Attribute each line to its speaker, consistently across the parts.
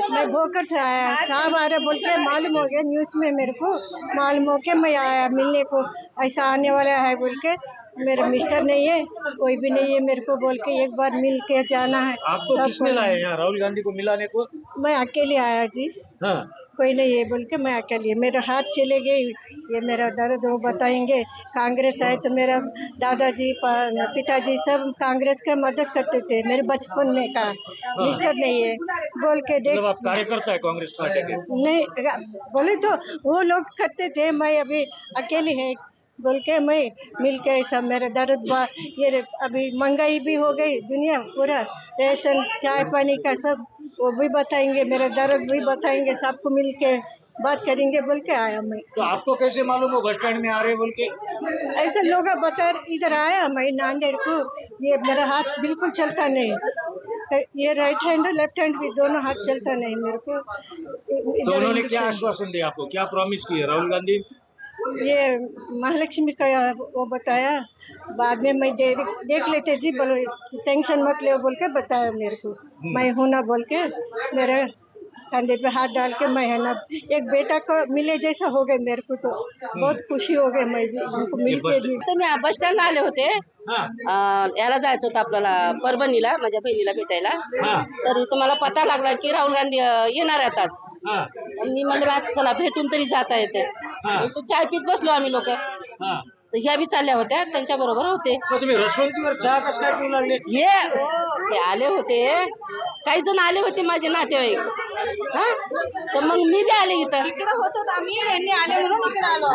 Speaker 1: मैं भोकर से आया, साहब आ रहे बोल के मालूम हो गया, न्यूज़ में मेरे को मालूम हो के मैं आया मिलने को, ऐसा आने वाला है बोल के। मेरे मिस्टर नहीं है, कोई भी नहीं है मेरे को बोल के, एक बार मिल के जाना है।
Speaker 2: आपको किसने लाया यहाँ राहुल गांधी को मिलाने को?
Speaker 1: मैं अकेले आया जी,
Speaker 2: हाँ,
Speaker 1: कोई नहीं है बोल के मैं अकेले, मेरे हाथ चले गए, ये मेरा दर्द वो बताएंगे। कांग्रेस है तो मेरा दादाजी पिताजी सब कांग्रेस का मदद करते थे मेरे बचपन में का। मिस्टर नहीं है बोल के देख,
Speaker 2: मतलब आप कार्यकर्ता है कांग्रेस पार्टी के?
Speaker 1: नहीं बोले तो वो लोग करते थे, मैं अभी अकेली है बोल के मैं मिल के सब मेरा दर्द ये अभी महंगाई भी हो गई दुनिया पूरा, रेशन चाय पानी का सब वो भी बताएंगे, मेरा दर्द भी बताएंगे, सबको मिल के बात करेंगे बोल के आया मैं।
Speaker 2: तो आपको कैसे मालूम हो बस स्टैंड में आ रहे बोल के?
Speaker 1: ऐसे लोग बता इधर आया मैं नांदेड़ को, ये मेरा हाथ बिल्कुल चलता नहीं, ये राइट हैंड लेफ्ट हैंड भी दोनों हाथ चलता नहीं मेरे को।
Speaker 2: तो उन्होंने क्या आश्वासन दिया आपको, क्या प्रॉमिस किया राहुल गांधी?
Speaker 1: ये महालक्ष्मी का वो बताया, बाद में मैं देख लेते जी, बोलो टेंशन मत ले बोल के बताया मेरे को, मैं हूं ना बोल के मेरे कंधे पे हाथ डाल के मैं है ना, एक बेटा को मिले जैसा हो गए मेरे को, तो बहुत खुशी हो गई मैं उनको मिलके भी।
Speaker 3: तुम्ही बस स्टँडला आले होते, याला जायचं होतं आपल्याला परभणीला, माझ्या बहिणीला भेटायला. तरी तुम्हाला पता लागला की राहुल गांधी येणार आहेत आज. मी म्हणलं चला भेटून तरी जाता येते. तो चाय पीत बसलो आम्ही लोक, तर ह्या बी चालल्या होत्या, त्यांच्या बरोबर होते.
Speaker 2: तुम्ही रसवंतीवर चहा कसं काय पिऊ लागले?
Speaker 3: ते आले होते, काही जण आले होते माझे नातेवाईक, हा तर मग मी बी आले इथं.
Speaker 4: इकडे होतो आम्ही, यांनी आले म्हणून इकडे आलो.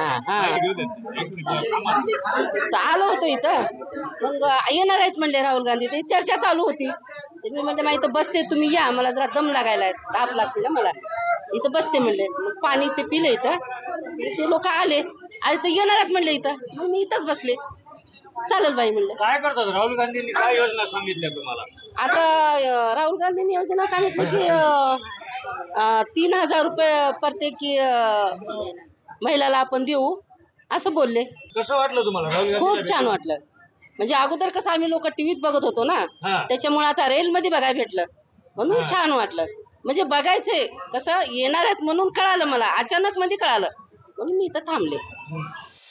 Speaker 3: तर आलो होतो इथं, मग येणार आहेत म्हणले राहुल गांधी, ते चर्चा चालू होती. मी म्हणते मग इथं बसते, तुम्ही या, मला जरा दम लागायला ताप लागते ना मला, इथं बसते म्हणले. मग पाणी ते पिले इथं, ते लोक आले तर येणार आहेत म्हणले इथं, मग मी इथंच बसले. चालेल बाई म्हणलं.
Speaker 2: काय करतात राहुल गांधींनी, काय योजना सांगितल्या तुम्हाला?
Speaker 3: आता राहुल गांधींनी योजना सांगितली की 3,000 रुपये प्रत्येकी महिलाला आपण देऊ असं बोलले.
Speaker 2: कसं वाटलं तुम्हाला राहुल गांधी?
Speaker 3: खूप छान वाटलं. म्हणजे अगोदर कसं आम्ही लोक टीव्हीत बघत होतो ना, त्याच्यामुळे आता रेल मध्ये बघायला भेटलं म्हणून छान वाटलं. म्हणजे बघायचंय कसं येणार आहेत म्हणून कळालं मला, अचानक मध्ये कळालं म्हणून मी इथं थांबले.